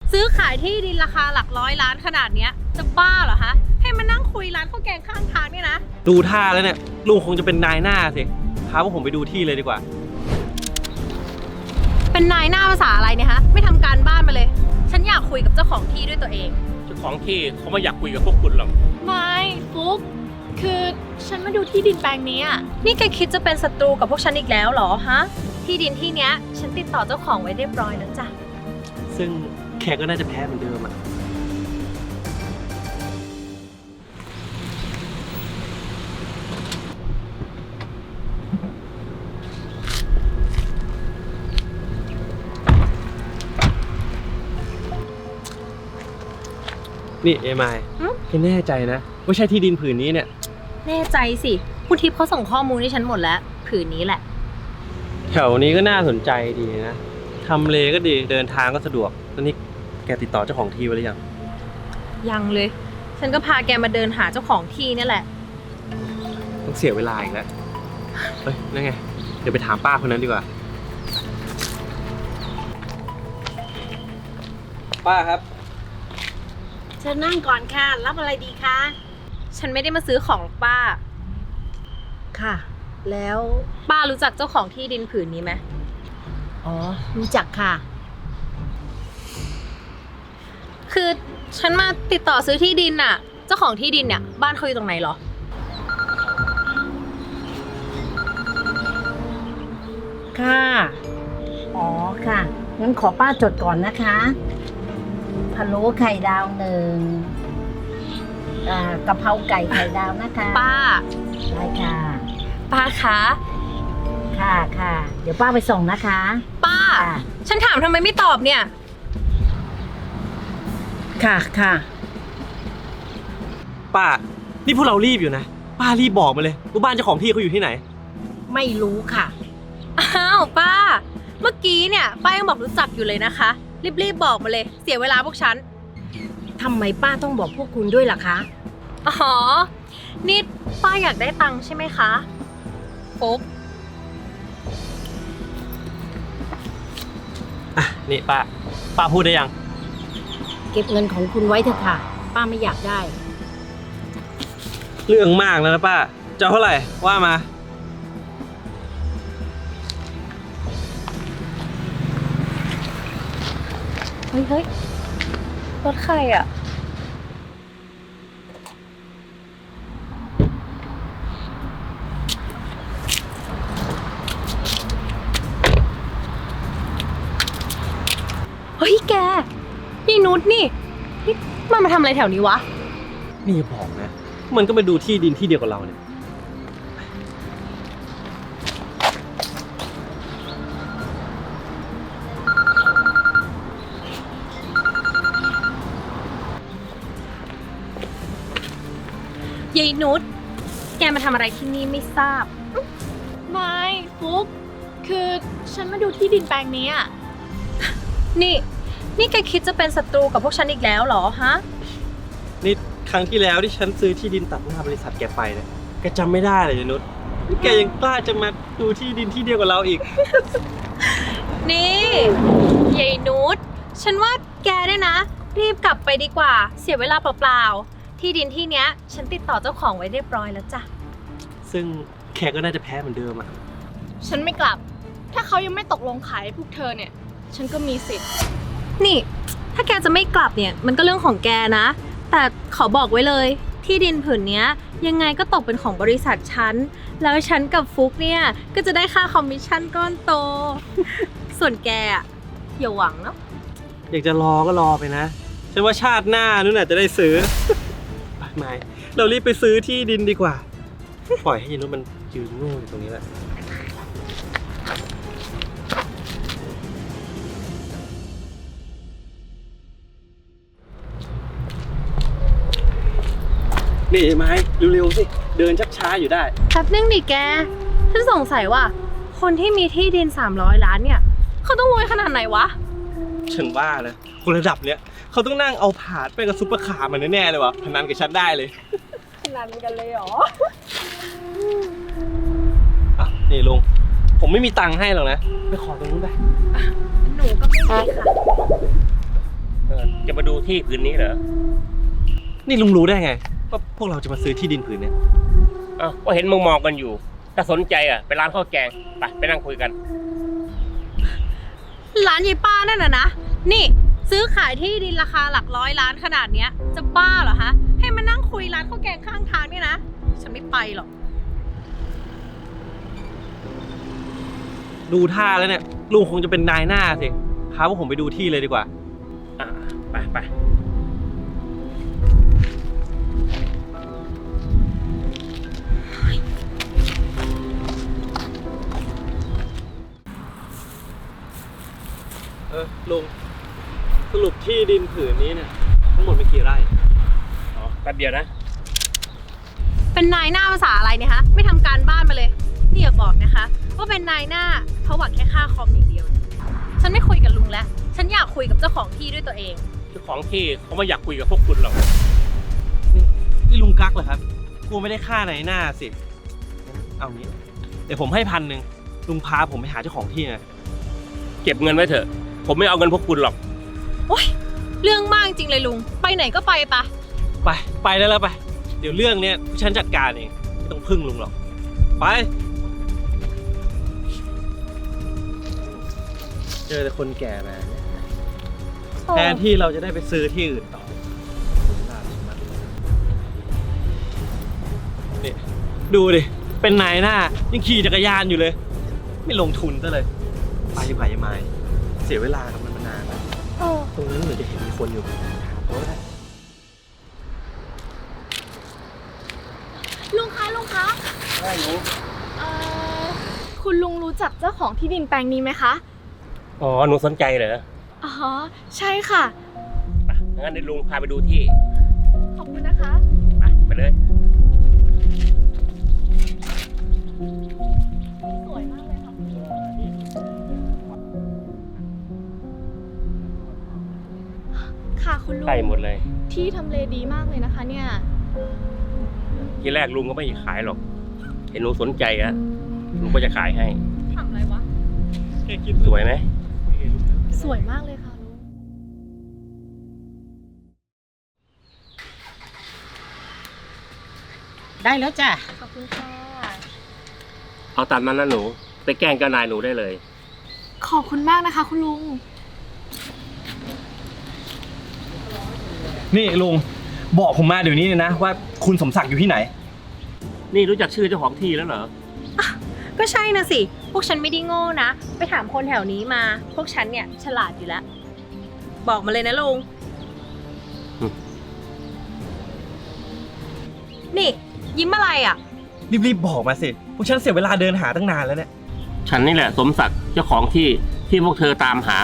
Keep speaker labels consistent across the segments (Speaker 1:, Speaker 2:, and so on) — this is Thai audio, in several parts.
Speaker 1: ซื้อขายที่ดินราคาหลักร้อยล้านขนาดเนี้ยจะบ้าเหรอฮะให้มานั่งคุยร้านข้าวแกงข้างทางเนี่ยนะ
Speaker 2: ดูท่าแล้วเนี่ยลุงคงจะเป็นนายหน้าสิพาพวกผมไปดูที่เลยดีกว่า
Speaker 1: เป็นนายหน้าภาษาอะไรเนี่ยฮะไม่ทำการบ้านมาเลยฉันอยากคุยกับเจ้าของที่ด้วยตัวเอง
Speaker 3: เจ้าของที่เขาไม่อยากคุยกับพวกคุณหรอก
Speaker 4: ไม่ฟุกคือฉันมาดูที่ดินแปลงนี้
Speaker 1: นี่แกคิดจะเป็นศัตรูกับพวกฉันอีกแล้วเหรอฮะที่ดินที่เนี้ยฉันติดต่อเจ้าของไว้เรียบร้อยแล้วจ้ะ
Speaker 2: ซึ่งแขกก็น่าจะแพ้เหมือนเดิมอ่ะนี่เอมายแน่ใจนะว่าใช่ที่ดินผืนนี้เนี่ย
Speaker 1: แน่ใจสิคุณทิพย์เขาส่งข้อมูลให้ฉันหมดแล้วผืนนี้แหละ
Speaker 2: แถวนี้ก็น่าสนใจดีนะทำเลก็ดีเดินทางก็สะดวกแล้วนี่แกติดต่อเจ้าของที่ไว้หรือยัง
Speaker 1: ยังเลยฉันก็พาแกมาเดินหาเจ้าของที่นี่แหละ
Speaker 2: ต้องเสียเวลาอีกแล้วเฮ้ยนั่นไงเดี๋ยวไปถามป้าคนนั้นดีกว่าป้าครับ
Speaker 5: เชิญนั่งก่อนค่ะรับอะไรดีคะ
Speaker 1: ฉันไม่ได้มาซื้อของหรอกป้า
Speaker 5: ค่ะแล้ว
Speaker 1: ป้ารู้จักเจ้าของที่ดินผืนนี้ไหม
Speaker 5: อ๋อรู้จักค่ะ
Speaker 1: คือฉันมาติดต่อซื้อที่ดินน่ะเจ้าของที่ดินเนี่ยบ้านเขาอยู่ตรงไหนหรอ
Speaker 5: ค่ะอ๋อค่ะงั้นขอป้าจดก่อนนะคะพะโล้ไข่ดาว1กะเพราไก่ไข่ดาวนะคะ
Speaker 1: ป้า
Speaker 5: ได้ค่ะ
Speaker 1: ป้าคะ
Speaker 5: ค่ะค่ะเดี๋ยวป้าไปส่งนะคะ
Speaker 1: ป้าฉันถามทำไมไม่ตอบเนี่ย
Speaker 5: ค่ะค่ะ
Speaker 2: ป้านี่พวกเรารีบอยู่นะป้ารีบบอกมาเลยว่าบ้านเจ้าของที่เขาอยู่ที่ไหน
Speaker 5: ไม่รู้ค่ะ
Speaker 1: อ้าวป้าเมื่อกี้เนี่ยป้ายังบอกรู้จักอยู่เลยนะคะรีบบอกมาเลยเสียเวลาพวกฉัน
Speaker 5: ทำไมป้าต้องบอกพวกคุณด้วยล่ะคะ
Speaker 1: อ๋อนี่ป้าอยากได้ตังค์ใช่ไหมคะฟุ๊ก
Speaker 2: อ่ะนี่ป้าพูดได้ยัง
Speaker 5: เก็บเงินของคุณไว้เถอะค่ะป้าไม่อยากได้
Speaker 2: เรื่องมากแล้วนะป้าจะเท่าไหร่ว่ามา
Speaker 1: เฮ้ยรถใครอ่ะเฮ้ยแกยายนุชนี่มันมาทำอะไรแถวนี้วะ
Speaker 2: นี่บอกนะมันก็มาดูที่ดินที่เดียวกับเราเนี่ย
Speaker 1: ยายนุชแกมาทำอะไรที่นี่ไม่ทราบ
Speaker 4: ไม่ฟุกคือฉันมาดูที่ดินแปลงนี้
Speaker 1: นี่แกคิดจะเป็นศัตรูกับพวกฉันอีกแล้วเหรอฮะ
Speaker 2: นี่ครั้งที่แล้วที่ฉันซื้อที่ดินตัดหน้าบริษัทแกไปเนี่ยแกจำไม่ได้เลยนุชแกยังกล้าจะมาดูที่ดินที่เดียวกับเราอีก
Speaker 1: นี่ยายนุชฉันว่าแกเนี่ยนะรีบกลับไปดีกว่าเสียเวลาเปล่าๆที่ดินที่เนี้ยฉันติดต่อเจ้าของไว้เรียบร้อยแล้วจ้ะ
Speaker 2: ซึ่งแขกก็น่าจะแพ้เหมือนเดิมอ่ะ
Speaker 4: ฉันไม่กลับถ้าเขายังไม่ตกลงขายให้พวกเธอเนี่ยฉันก็มีสิทธิ์
Speaker 1: นี่ถ้าแกจะไม่กลับเนี่ยมันก็เรื่องของแกนะแต่ขอบอกไว้เลยที่ดินผืนนี้ยังไงก็ตกเป็นของบริษัทฉันแล้วฉันกับฟุกเนี่ยก็จะได้ค่าคอมมิชชั่นก้อนโต ส่วนแกอ่ะอย่าหวังเนาะ
Speaker 2: อยากจะรอก็รอไปนะฉันว่าชาติหน้านู่นน่ะจะได้ซื้อไม่เรารีบไปซื้อที่ดินดีกว่าปล่อยให้ยายนุชมันยืนโง่อยู่ตรงนี้แหละนี่ไม้เร็วๆสิเดินชักช้าอยู่ได้
Speaker 1: แป๊บนึงดิแกฉันสงสัยว่าคนที่มีที่ดิน300 ล้านเนี่ยเขาต้องรวยขนาดไหนวะ
Speaker 2: ฉันว่านะคนระดับเนี้ยเขาต้องนั่งเอาผาดไปกับซุปเปอร์คาร์มันแน่ๆเลยวะพนันกับฉันได้เลย
Speaker 4: พนันกันเลยเหรอ
Speaker 2: อ่ะนี่ลุงผมไม่มีตังค์ให้หรอกนะไปขอตรงนู้นไป
Speaker 1: หนูก็ไม่มีค่ะ
Speaker 3: จะมาดูที่ผืนนี้เหรอ
Speaker 2: นี่ลุงรู้ได้ไงว่าพวกเราจะมาซื้อที่ดินผืนเนี่ย
Speaker 3: อ้าวก็เห็นมองกันอยู่ ถ้าสนใจอ่ะไปร้านข้าวแกงไปนั่งคุยกัน
Speaker 1: ร้านยายป้านั่นนะ นี่ซื้อขายที่ดินราคาหลักร้อยล้านขนาดเนี้ย จะบ้าเหรอฮะ ให้มานั่งคุยร้านข้าวแกงข้างทางเนี่ยนะ ฉันไม่ไปหรอก
Speaker 2: ดูท่าแล้วเนี่ยลุงคงจะเป็นนายหน้าสิพาพวกผมไปดูที่เลยดีกว่า
Speaker 3: อ่าไป
Speaker 2: ลุงสรุปที่ดินผืนนี้เนี่ยทั้งหมดเป็นกี่ไร่
Speaker 3: อ๋อแป๊บเดียวนะ
Speaker 1: เป็นนายหน้าภาษาอะไรเนี่ยฮะ ไม่ทำการบ้านมาเลย นี่อย่าบอกนะคะ ว่าเป็นนายหน้าเพราะหวังแค่ค่าคอมอย่างเดียว ฉันไม่คุยกับลุงแล้ว ฉันอยากคุยกับเจ้าของที่ด้วยตัวเอง
Speaker 3: เจ้าของที่เขาไม่อยากคุยกับพวกคุณหรอก
Speaker 2: นี่ลุงกักเหรอครับกูไม่ได้ค่าไหนหน้าสิเอางี้เดี๋ยวผมให้1,000ลุงพาผมไปหาเจ้าของที่นะ
Speaker 3: เก็บเงินไว้เถอะ ผมไม่เอาเงินพวกคุณหรอก
Speaker 1: โอ๊ย เรื่องมากจริงเลยลุง ไปไหนก็ไปปะ
Speaker 2: ไปได้แล้วไปเดี๋ยวเรื่องเนี้ยฉันจัดการเองไม่ต้องพึ่งลุงหรอกไปเจอแต่คนแก่มาเนี่ยแทนที่เราจะได้ไปซื้อที่อื่นต่อนี่ดูดิเป็นนายหน้ายังขี่จักรยานอยู่เลย ไม่ลงทุนซะเลยไปดีกว่ายังไงเสียเวลากับมันมานานแล้วตรงนั้นเหมือนจะเห็นมีคนอยู่โอ้ย
Speaker 4: ลุงคะคุณลุงรู้จักเจ้าของที่ดินแปลงนี้ไหมคะ
Speaker 3: อ๋อ หนูสนใจเหรอ
Speaker 4: อ๋อ ใช่ค่ะ
Speaker 3: ไปงั้นเดี๋ยวลุงพาไปดูที่
Speaker 4: ขอบคุณนะคะ
Speaker 3: ไปเลย
Speaker 4: สวยมากเลยค่ะค่ะคุณลุง
Speaker 3: ใกล้หมดเลย
Speaker 4: ที่ทำเลดีมากเลยนะคะเนี่ย
Speaker 3: ทีแรกลุงก็ไม่ขายหรอก เห็นหนูสนใจอะลุงก็จะขายให้
Speaker 1: ทำอะไรวะ
Speaker 3: สวยไหม
Speaker 4: สวยมากเลยค่ะลุง
Speaker 5: ได้แล้วจ้ะ
Speaker 4: ขอบคุณค่ะ
Speaker 3: เอาตามนั้นนะหนู ไปแกล้งเจ้านายหนูได้เลย
Speaker 4: ขอบคุณมากนะคะคุณลุง
Speaker 2: นี่ลุงบอกผมมาเดี๋ยวนี้เลยนะว่าคุณสมศักดิ์อยู่ที่ไหน
Speaker 3: นี่รู้จักชื่อเจ้าของที่แล้วเหรอ
Speaker 1: ก็ใช่นะสิ พวกฉันไม่ได้โง่นะ ไปถามคนแถวนี้มา พวกฉันเนี่ยฉลาดอยู่แล้ว บอกมาเลยนะลุง
Speaker 3: อืม
Speaker 1: นี่ ยิ้มอะไรอ่ะ
Speaker 2: รีบๆบอกมาสิพวกฉันเสียเวลาเดินหาตั้งนานแล้วเนี่ย
Speaker 3: ฉันนี่แหละสมศักดิ์เจ้าของที่พวกเธอตามหา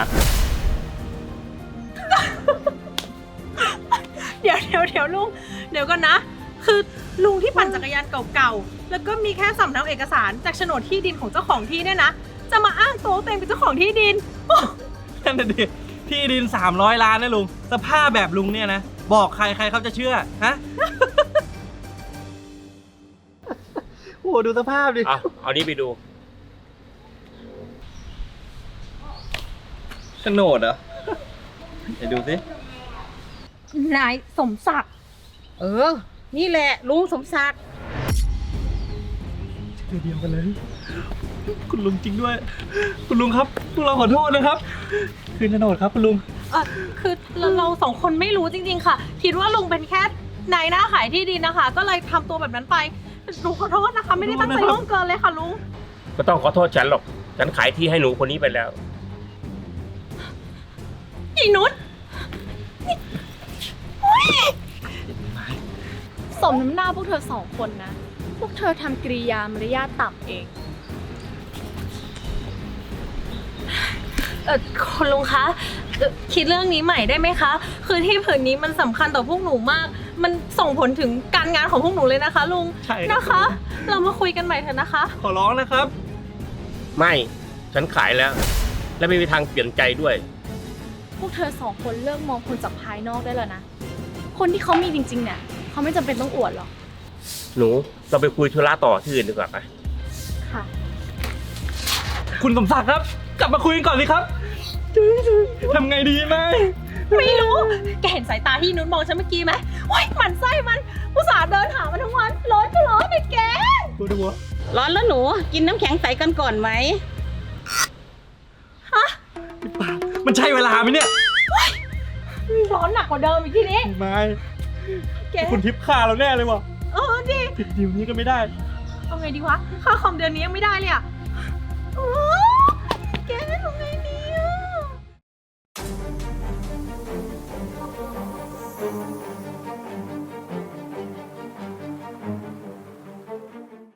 Speaker 1: เดี๋ยวลุง เดี๋ยวก่อนนะ คือลุงที่ปั่นจักรยานเก่าๆ แล้วก็มีแค่สำเนาเอกสารจากโฉนดที่ดินของเจ้าของที่เนี่ยนะ จะมาอ้างตัวตัวเองเป็นเจ้าของที่ดิน
Speaker 2: นั่นน่ะดิที่ดิน300 ล้านนะลุงสภาพแบบลุงเนี่ยนะบอกใครเขาจะเชื่อฮะ โอ้ดูสภาพดิ
Speaker 3: เอานี้ไปดู
Speaker 2: โฉนดเหรอไหนดูสิ
Speaker 1: นายสมศักดิ์
Speaker 5: นี่แหละลุงสมศักดิ์
Speaker 2: ชื่อเดียวกันเลย คุณลุงจริงด้วย คุณลุงครับพวกเราขอโทษนะครับ คืนโฉนดครับคุณลุง
Speaker 1: คือเราสองคนไม่รู้จริงๆค่ะ คิดว่าลุงเป็นแค่นายหน้าขายที่ดินนะคะ ก็เลยทำตัวแบบนั้นไปลุงขอโทษนะคะ ไม่ได้ตั้งใจล่วงเกินเลยค่ะลุง
Speaker 3: ก็ต้องขอโทษฉันหรอก ฉันขายที่ให้หนูคนนี้ไปแล้ว
Speaker 1: อีนุช
Speaker 4: สมน้ำหน้าพวกเธอสองคนนะ พวกเธอทำกริยามารยาทต่ำเอง
Speaker 1: คุณลุงคะคิดเรื่องนี้ใหม่ได้ไหมคะ คือที่ผืนนี้มันสำคัญต่อพวกหนูมาก มันส่งผลถึงการงานของพวกหนูเลยนะคะลุง
Speaker 2: ใช่ครับ
Speaker 1: นะคะ เรามาคุยกันใหม่เถอะนะคะ
Speaker 2: ขอร้องนะครับ
Speaker 3: ไม่ ฉันขายแล้ว และไม่มีทางเปลี่ยนใจด้วย
Speaker 4: พวกเธอสองคนเลิกมองคนจากภายนอกได้แล้วนะ คนที่เขามีจริงๆเนี่ยเขาไม่จำเป็นต้องอวดหรอก
Speaker 3: หนูเราไปคุยธุระต่อที่อื่นดีกว่าไป
Speaker 4: ค่ะ
Speaker 2: คุณสมศักดิ์ครับ กลับมาคุยกันก่อนสิครับทำไงดีไหม
Speaker 1: ไม่รู้ แกเห็นสายตาที่นุ้นมองฉันเมื่อกี้ไหมโอ๊ยหมันไส้มันอุตส่าห์เดินหามันทั้งวัน ร้อนก็ร้อนเลยแก
Speaker 2: ตัวดูวะ
Speaker 5: ร้อนแล้วหนู กินน้ำแข็งใสกันก่อนไหม
Speaker 2: มันใช่เวลาไหมเนี่ย
Speaker 1: ร้อนหนักกว่าเดิมอีกทีนี้
Speaker 2: ไม่
Speaker 1: แก
Speaker 2: คุณทิพย์ฆ่าเราแน่เลยว่ะ
Speaker 1: เออดิ
Speaker 2: ผิดดิวนี้ก็ไม่ได้
Speaker 1: เอาไงดีวะ ค่าคอมเดือนนี้ยังไม่ได้เลยอ่ะโอ๊